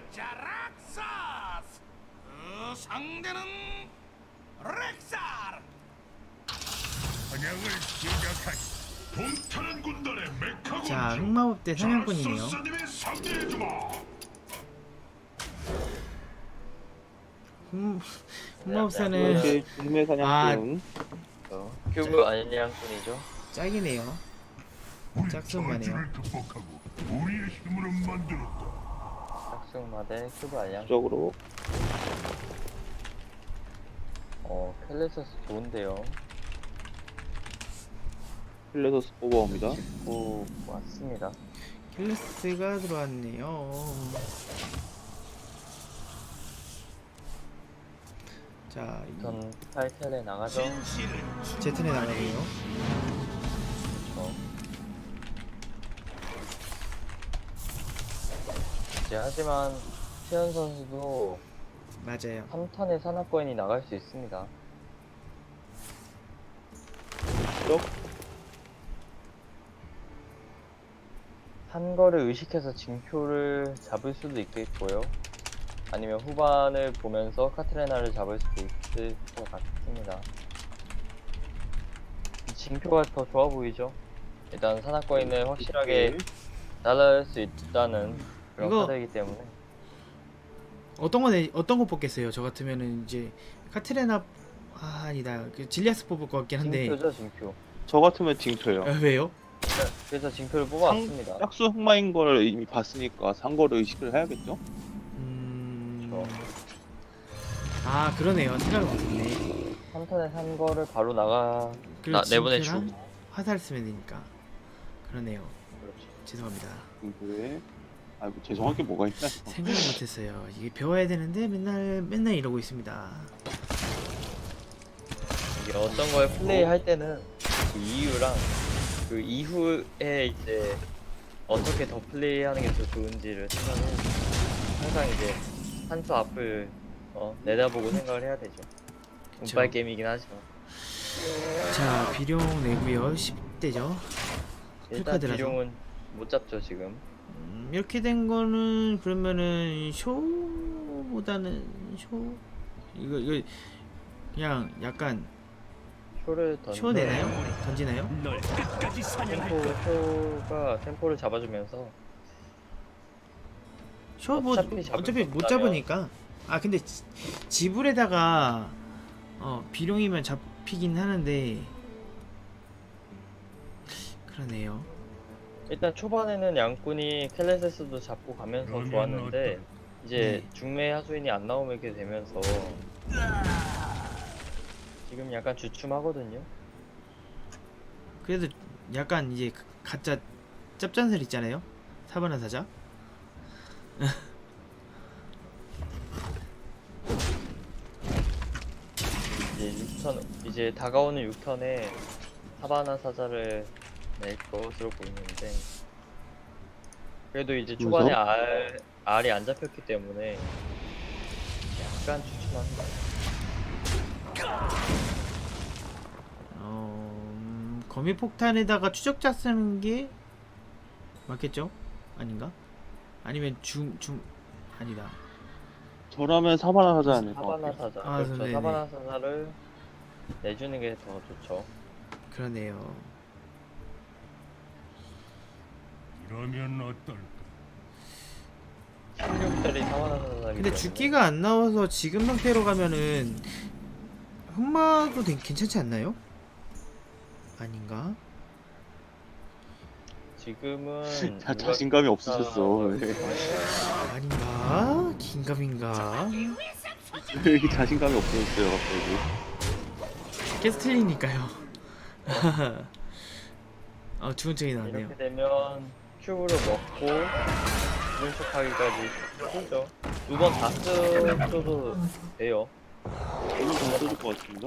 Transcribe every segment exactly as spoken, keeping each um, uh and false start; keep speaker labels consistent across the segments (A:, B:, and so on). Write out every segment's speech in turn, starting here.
A: 자락사스. 그 상대는 렉살.
B: 사냥을 시작하시. 동타는 군단의 메카군.
C: 자, 흑마법 대 사냥꾼이네요. 흑- 흑마법사는
D: 이렇게 중매 사냥꾼.
E: 어, 큐브 안양꾼이죠.
C: 짝이네요. 짝수만해요.
B: 극복하고 우리의 힘으로 만들었다.
E: 짝승마대 큐브 안양.
D: 쪽으로
E: 어, 켈레서스 좋은데요.
D: 필레서스 뽑아옵니다.
E: 오, 왔습니다.
C: 킬레스가 들어왔네요. 자,
E: 전 타이틀에 나가죠.
A: 진실을
C: 제트에 나가고요.
E: 어. 이제 하지만 시현 선수도
C: 맞아요.
E: 삼 턴의 산악거인이 나갈 수 있습니다.
D: 쪽
E: 한 거를 의식해서 징표를 잡을 수도 있겠고요. 아니면 후반을 보면서 카트레나를 잡을 수도 있을 것 같습니다. 이 징표가 더 좋아 보이죠? 일단 산악거인을 확실하게 날아갈 수 있다는 그런
C: 이거-
E: 카드이기 때문에
C: 어떤 거 내, 어떤 거 뽑겠어요? 저 같으면은 이제 카트레나 아, 아니다. 그 질리아스 뽑을 것 같긴 한데.
E: 징표죠, 징표.
D: 저 같으면 징표요.
C: 아, 왜요?
E: 그래서 징표를 뽑아왔습니다.
D: 짝수 흑마인 걸 이미 봤으니까 산 거를 의식을 해야겠죠?
C: 음.
E: 그렇죠.
C: 아, 그러네요. 생각을 못했네.
E: 삼 턴에 산 거를 바로 나가
C: 그리고
E: 나, 내보내
C: 징표랑
E: 주고.
C: 화살 쓰면 되니까. 그러네요.
E: 그렇죠.
C: 죄송합니다.
D: 징표에 아이고 죄송한 게 뭐가 있나?
C: 생각을 못했어요. 이게 배워야 되는데 맨날 맨날 이러고 있습니다.
E: 이게 어떤 걸 플레이 할 때는 그 이유랑 그 이후에 이제 어떻게 더 플레이하는 게 더 좋은지를 생각을 항상 이제 한 수 앞을 어, 내다보고 생각을 해야 되죠.
C: 그쵸.
E: 운빨 게임이긴 하지만
C: 자, 비룡 내고요. 십 대죠.
E: 일단
C: 풀카드라서.
E: 비룡은 못 잡죠 지금.
C: 음, 이렇게 된 거는 그러면은 쇼보다는 쇼 이거 이거 그냥 약간
E: 쇼를 던
C: 쇼 내나요? 던지나요?
A: 널 끝까지 사냥할
E: 템포
A: 거야.
E: 쇼가 템포를 잡아주면서
C: 쇼 뭐
E: 어차피 잡을
C: 어차피
E: 수
C: 못
E: 없다면-
C: 잡으니까. 아 근데 지- 지불에다가 어 비룡이면 잡히긴 하는데 그러네요.
E: 일단 초반에는 양꾼이 켈레세스도 잡고 가면서
B: 그러면
E: 좋았는데
B: 어떨까?
E: 이제
C: 네.
E: 중매 하수인이 안 나오게 되면서 지금 약간 주춤하거든요.
C: 그래도 약간 이제 가- 가짜 짭짠슬 있잖아요. 사바나 사자.
E: 이제 육 턴 이제 다가오는 육 턴에 사바나 사자를 낼 것으로 보이는데 그래도 이제 초반에
D: 그래서?
E: 알 알이 안 잡혔기 때문에 약간 주춤합니다.
C: 어, 음, 거미 폭탄에다가 추적자 쓰는 게 맞겠죠? 아닌가? 아니면 중 중 아니다.
D: 저라면 사바나 하지 않을까?
E: 사바나 사자
C: 아,
E: 그렇죠.
C: 네네.
E: 사바나 사자를 내주는 게 더 좋죠.
C: 그러네요.
B: 이러면 어떨까?
E: 십육 짜리 사바나 사자기
C: 근데 죽기가 안 나와서 지금 상태로 가면은 흑마도 되- 괜찮지 않나요? 아닌가?
E: 지금은
D: 자,
E: 누가
D: 자신감이
E: 아,
D: 없으셨어. 왜
C: 아닌가? 긴가민가?
D: 왜 이렇게 자신감이 없으셨어요 갑자기?
C: 계속 틀리니까요. 어, 죽은 척이 나왔네요.
E: 이렇게 되면 큐브를 먹고 분석하기까지 쓰죠. 두 번 다 쓰셔도 돼요.
D: 이건 더 써줄 것 같습니다.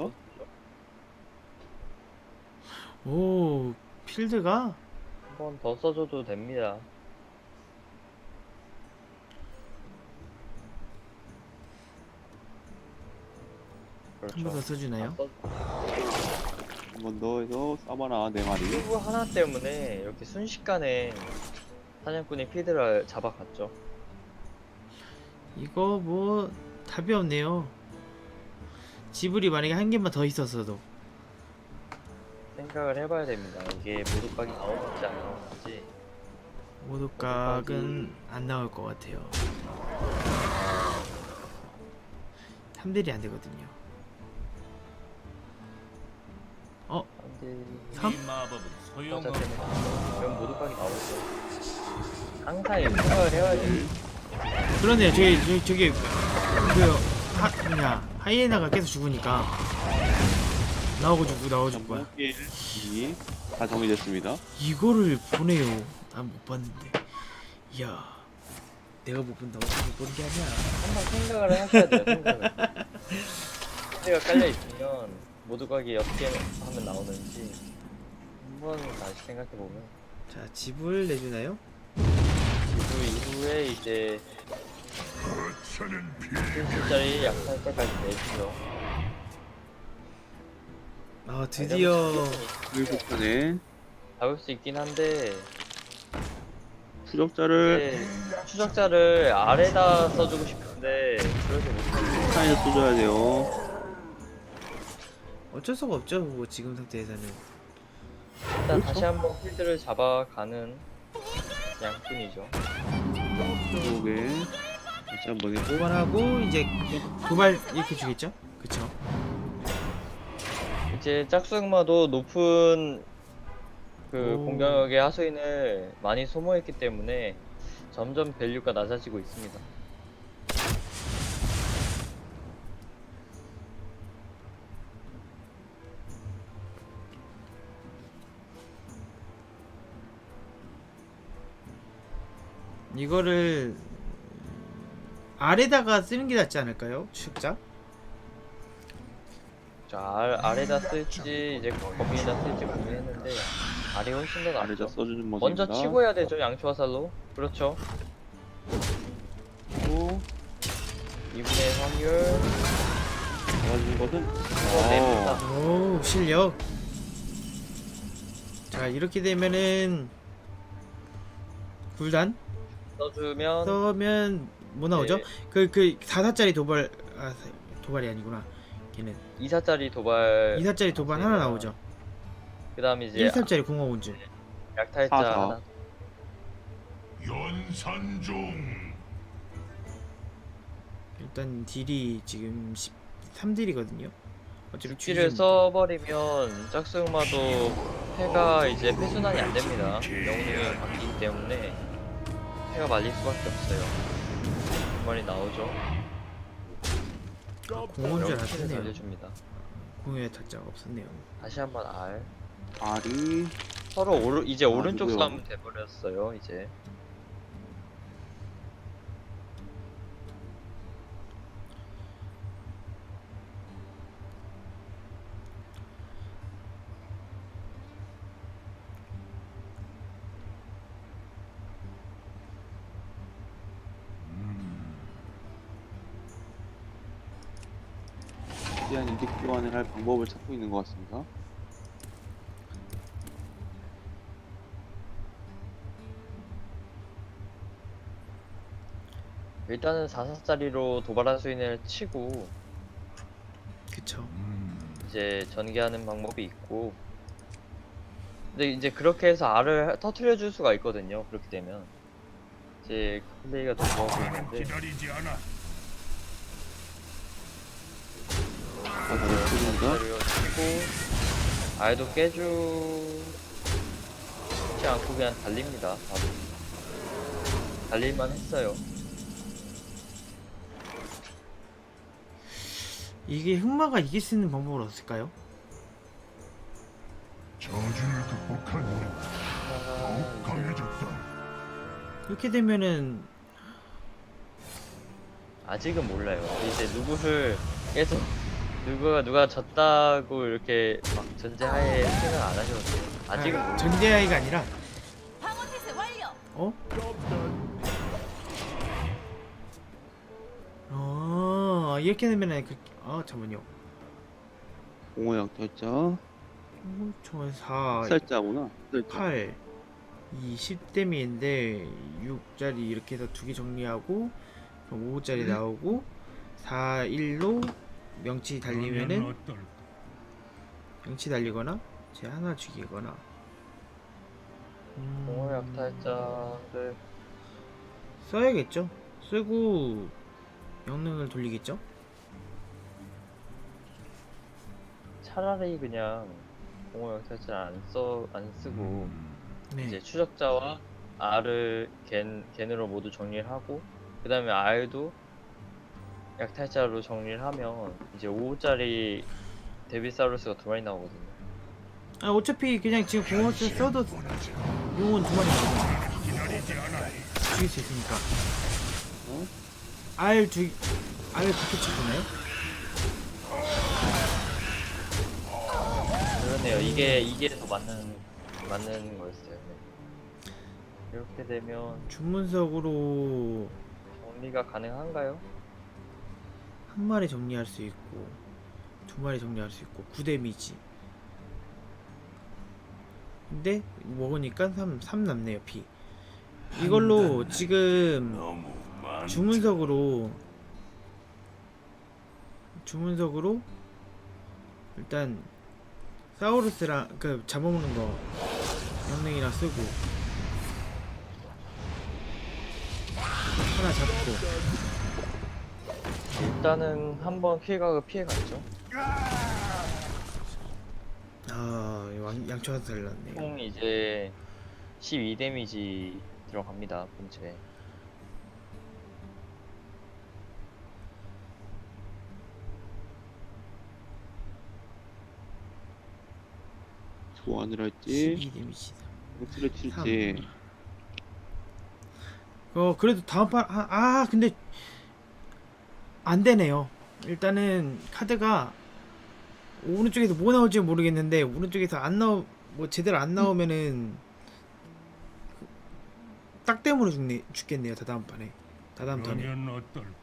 C: 오, 필드가
E: 한 번 더 써줘도 됩니다.
C: 한
E: 그렇죠.
C: 번 더 써주나요?
E: 다 써-
D: 한 번 더 해서 사바나 네 마리.
E: 큐브 하나 때문에 이렇게 순식간에 사냥꾼이 필드를 잡아갔죠.
C: 이거 뭐 답이 없네요. 지불이 만약에 한 개만 더 있었어도.
E: 생각을 해봐야 됩니다. 이게 모독각이 나오는지 안 나오는지.
C: 모독각은 안 나올 것 같아요. 삼 딜이 안 되거든요. 어?
E: 근데
C: 삼?
A: 이 마법은
E: 여자
A: 소용없다.
E: 때문에 이런 모독각이 나오죠. 항상 이 생각을 해야 돼.
C: 그러네요. 저기 저기 저기 그 하, 뭐냐 하이에나가 계속 죽으니까 나오고 죽고 나오고 죽고.
D: 일, 이, 다 정리됐습니다.
C: 이거를 보내요. 난 못 봤는데. 이야, 내가 못 본다고 못 보는 게 아니야.
E: 한번 생각을 하셔야 돼요. 생각을. 문제가 깔려 있으면 모독각이 어떻게 하면 나오는지 한번 다시 생각해 보면.
C: 자, 집을 내주나요?
E: 그 이후에 이제
B: 거처는 피
E: 일 짜리 약탈 때까지 내주죠.
C: 아, 드디어
D: 일 폭탄에
E: 잡을 수 있긴 한데
D: 추적자를
E: 네, 추적자를 아래다 써주고 싶은데 그러지 못하고
D: 폭탄에 쏘줘야 돼요.
C: 어쩔 수가 없죠. 뭐 지금 상태에서는.
E: 일단 다시 한번 필드를 잡아가는 양뿐이죠.
D: 이쪽에 다시 한번 해보.
C: 도발하고 이제 도발 이렇게 주겠죠? 그쵸?
E: 이제 짝수흑마도 높은 그
C: 오.
E: 공격력의 하수인을 많이 소모했기 때문에 점점 밸류가 낮아지고 있습니다.
C: 이거를 아래다가 쓰는 게 낫지 않을까요? 추적자?
E: 자, 아, 아래다 쓸지 이제 거기에다 쓸지 고민했는데 아래 훨씬 더
D: 아래자
E: 낫죠.
D: 써주는 모습입니다.
E: 먼저 치고 해야 되죠, 양초 화살로. 그렇죠.
D: 고
E: 이분의 확률
D: 잡아주는 것은
E: 어, 냅니다.
C: 오, 실력. 자, 이렇게 되면은 굴단
E: 써주면
C: 써면 뭐 나오죠?
E: 네.
C: 그 그 사사짜리 도발 아 도발이 아니구나. 걔는
E: 이 사짜리 도발
C: 이 사짜리 도발 하나 나오죠.
E: 그 다음 이제
C: 일 사짜리 공허운줄.
E: 약탈자
D: 사사.
E: 하나.
B: 연산종
C: 일단 딜이 지금 십삼 딜이거든요. 어차피
E: 죽기를
C: 주시면
E: 써버리면 짝수흑마도 패가 이제 패순환이 안 됩니다. 영웅이 바뀌기 때문에 패가 말릴 수밖에 없어요. 그 말이 나오죠.
C: 공허운줄
E: 이렇게
C: 하셨네요.
E: 알려줍니다.
C: 공허의 타짜가 없었네요.
E: 다시 한번 R.
D: R이
E: 서로 오르, 이제
D: 아,
E: 오른쪽
D: 누구요?
E: 싸움 돼버렸어요. 이제
D: 최대한 인식 교환을 할 방법을 찾고 있는 것 같습니다.
E: 일단은 사 사짜리로 도발한 수인을 치고
C: 그쵸.
E: 이제 전개하는 방법이 있고 근데 이제 그렇게 해서 R을 터트려 줄 수가 있거든요. 그렇게 되면 이제 플레이가 더 좋아 보이는데
B: 기다리지 않아.
D: 아, 다들 쏘줍니다.
E: R을 치고 R도 깨주지 않고 그냥 달립니다. 바로 달릴만 했어요.
C: 이게 흑마가 이길 수 있는 방법은 없을까요?
B: 저주를 극복한 더욱 강해졌다.
C: 이렇게 되면은
E: 아직은 몰라요. 이제 누구를 계속 누가 누가 졌다고 이렇게 막 전제하에 생각 안 하셔도 돼요. 아직은
C: 아,
E: 몰라요.
C: 전제아이가 아니라
F: 방어 태세 완료.
C: 어? 어 이렇게 되면은 그, 아 잠만요.
D: 공허약 탈자
C: 저 사,
D: 살자구나. 살자.
C: 팔, 이 십 데미인데 육짜리 이렇게 해서 두 개 정리하고 오 호짜리 나오고 사 일로 명치 달리면은
B: 어떨까?
C: 명치 달리거나 제 하나 죽이거나 음,
E: 공허약 탈자를
C: 써야겠죠. 쓰고 영능을 돌리겠죠.
E: 차라리 그냥 공허약 탈자를 안 써 안 쓰고
C: 네.
E: 이제 추적자와 R을 겐, 겐으로 모두 정리를 하고 그 다음에 R도 약탈자로 정리를 하면 이제 오 호짜리 데비사우루스가 두 마리 나오거든요.
C: 아 어차피 그냥 지금 공허스 써도 용은 두 마리 나오잖아. 죽일 수 있으니까.
D: 어?
C: 알 두, 알 그렇게 치구나요?
E: 그러네요. 이게 이게 더 맞는 맞는 거였어요. 네. 이렇게 되면
C: 주문석으로
E: 정리가 가능한가요?
C: 한 마리 정리할 수 있고 두 마리 정리할 수 있고 구 데미지. 근데 먹으니까 삼, 삼 남네요. 피. 이걸로 지금
A: 너무 많.
C: 주문석으로 주문석으로 일단 사우루스랑 그 잡아먹는 거 영능이랑 쓰고 하나 잡고
E: 일단은 한번 킬각을 피해갔죠.
C: 아 왕- 양초가 달랐네요.
E: 총 이제 십이 데미지 들어갑니다. 본체에.
D: 소환을 할지
C: 십이 데미지.
D: 보스를 칠지.
C: 어 그래도 다음 판 아, 아 근데 안 되네요. 일단은 카드가 오른쪽에서 뭐 나올지 모르겠는데 오른쪽에서 안 나오 뭐 제대로 안 나오면은 딱 때문에 죽네 죽겠네요. 다다음 판에 다다음 턴에.
B: 그러면 어떨까?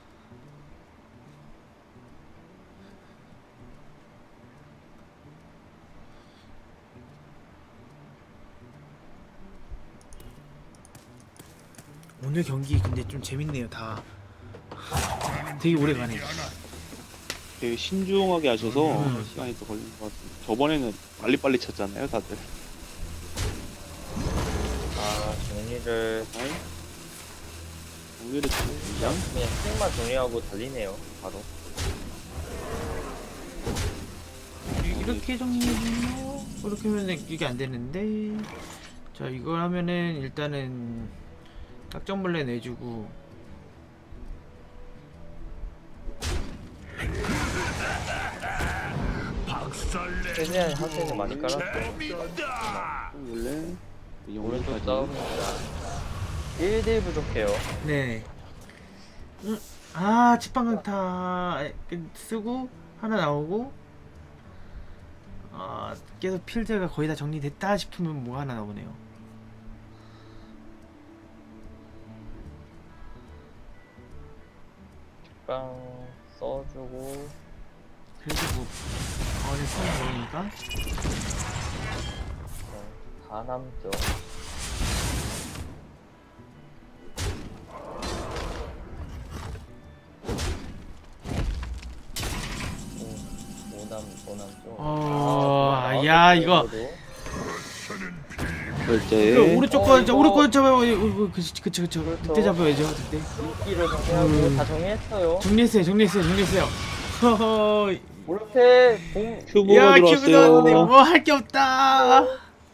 C: 오늘 경기 근데 좀 재밌네요. 다 되게 오래 가네.
D: 되게 신중하게 하셔서
C: 음.
D: 시간이 더 걸리는 것 같습니다. 저번에는 빨리빨리 쳤잖아요, 다들.
E: 아 정리를
D: 아이, 오늘은 그냥
E: 그냥 스택만 정리하고 달리네요. 바로.
C: 이렇게 정리해주면 이렇게 하면 이게 안 되는데 자 이걸 하면은 일단은 딱정벌레 내주고
A: 박살내.
E: 최대한 하트는 많이 깔았어요.
D: 원래
E: 오른쪽
D: 영혼까지
E: 싸움입니다. 일 대 부족해요.
C: 네. 음, 아 직방강타 쓰고 하나 나오고 아 계속 필드가 거의 다 정리됐다 싶으면 뭐 하나 나오네요.
E: 빵 써주고
C: 그래도 뭐 어제 쓰는 거니까
E: 어, 다 남죠. 오, 오남 오남죠.
C: 어, 야, 이거.
D: 절대
C: 그 오른쪽
E: 어,
C: 거
E: 이거-
C: 오른쪽 거 잡아요. 어, 그치 그치 그치
E: 그렇죠.
C: 그때 잡아야죠. 그때
E: 이끼를 정리하고
C: 음.
E: 다 정리했어요.
C: 정리했어요. 정리했어요. 정리했어요. 허허.
E: 오르페 공
D: 큐브가
C: 야 큐브 나왔는데
D: 들어왔어요.
C: 뭐 할 게 없다.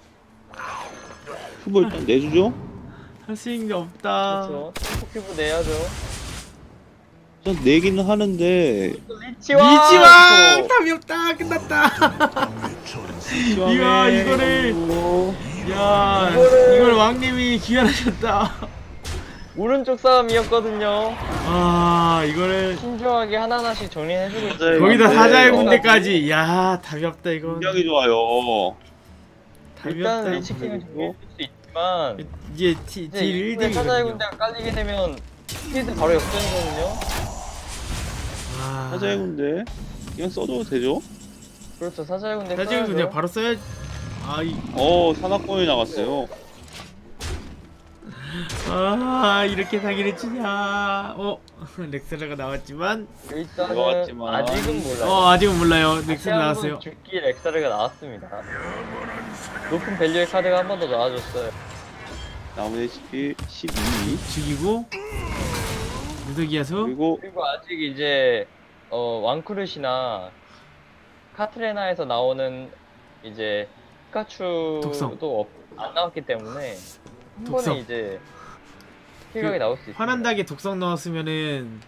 D: 큐브 일단 내주죠.
C: 할 수 있는 게 없다.
E: 그렇죠. 큐브 내야죠.
D: 일단 내기는 하는데
E: 리치왕.
C: 리치왕 답이 없다. 끝났다. 이야 이거를 야
E: 이거를-
C: 이걸 왕님이 기원하셨다.
E: 오른쪽 싸움이었거든요.
C: 아 이거를
E: 신중하게 하나하나씩 정리해주고 있어요.
D: 사자의
C: 거기다
D: 네,
C: 사자의
D: 어.
C: 군대까지. 야 답이 없다 이건.
D: 굉장히 좋아요.
C: 답이
E: 일단
C: 없다.
E: 리치킹을 정리해줄 수 있지만
C: 이제 티,
E: 이제
C: 딜 일
E: 이후에 사자의
C: 등이거든요.
E: 군대가 깔리게 되면 스피드 바로 역전이거든요.
C: 아,
D: 사자의 군대 그냥 써도 되죠?
E: 그렇죠. 사자의 군대
C: 사자의
E: 써야죠.
C: 그냥 바로 써야지. 아, 이,
D: 어 산악권이 나갔어요.
C: 아 이렇게 사기를 치냐. 어 렉스라가 나왔지만
E: 일단은
D: 나왔지만.
E: 아직은 몰라요.
C: 어 아직은 몰라요. 렉스
E: 다시 한번
C: 나왔어요.
E: 죽기 렉사르가 나왔습니다. 높은 밸류의 카드가 한 번 더 나와줬어요.
D: 남은 에이치피 십이.
C: 죽이고 무더기야수.
D: 그리고
E: 그리고 아직 이제 어 왕크루시나 카트레나에서 나오는 이제
C: 독성.
E: 피카츄도 없- 안 나왔기 때문에 한
C: 독성.
E: 번에 이제 킬각이 나올 수 있어요.
C: 화난 닭에 독성 넣었으면은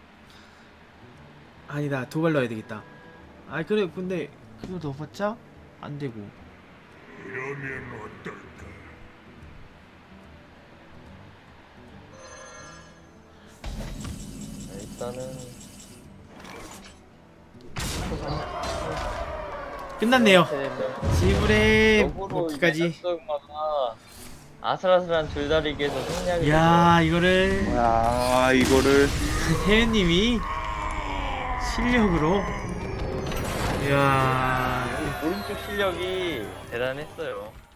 C: 아니다 도발 넣어야 되겠다. 아 그래 근데 그거 넣어봤자 안 되고.
B: 이러면 어떨까?
E: 일단은
C: 끝났네요.
E: 네,
C: 지불의
E: 역으로
C: 먹기까지.
E: 이제 흑수마가 아슬아슬한 줄다리기에서 승리하게
C: 야 이거를
D: 야 이거를
C: 태연님이 실력으로. 이야
E: 됐어요. 오른쪽 실력이 대단했어요.